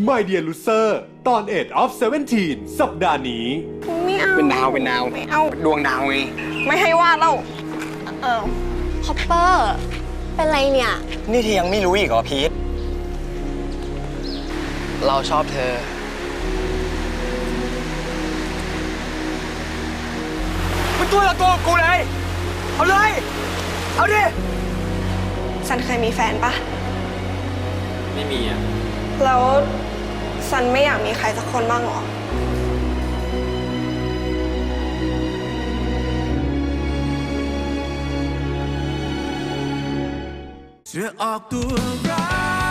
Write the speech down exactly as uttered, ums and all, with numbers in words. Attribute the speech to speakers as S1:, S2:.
S1: My Dear Loser ตอน เอ็ด of สิบเจ็ด สัปดาห์นี้
S2: ไม่เอา
S3: เป็นดาวเป็นดาว
S2: ไม่เอา
S3: ดวงดาวไง
S2: ไม่ให้วาดแล้วเออ
S4: ฮอปเปอร์เป็นไรเนี่ย
S3: นี่เธอยังไม่รู้อีกเหรอพีทเราชอบเธอมันตัวละตัวกูเลยเอาเลยเอาดิ
S2: ซันเคยมีแฟนปะ
S3: ไม่มีอ่ะ
S2: แล้วซันไม่อยากมีใครสักคนบ้างหรอ
S5: จะออกตัวร้าย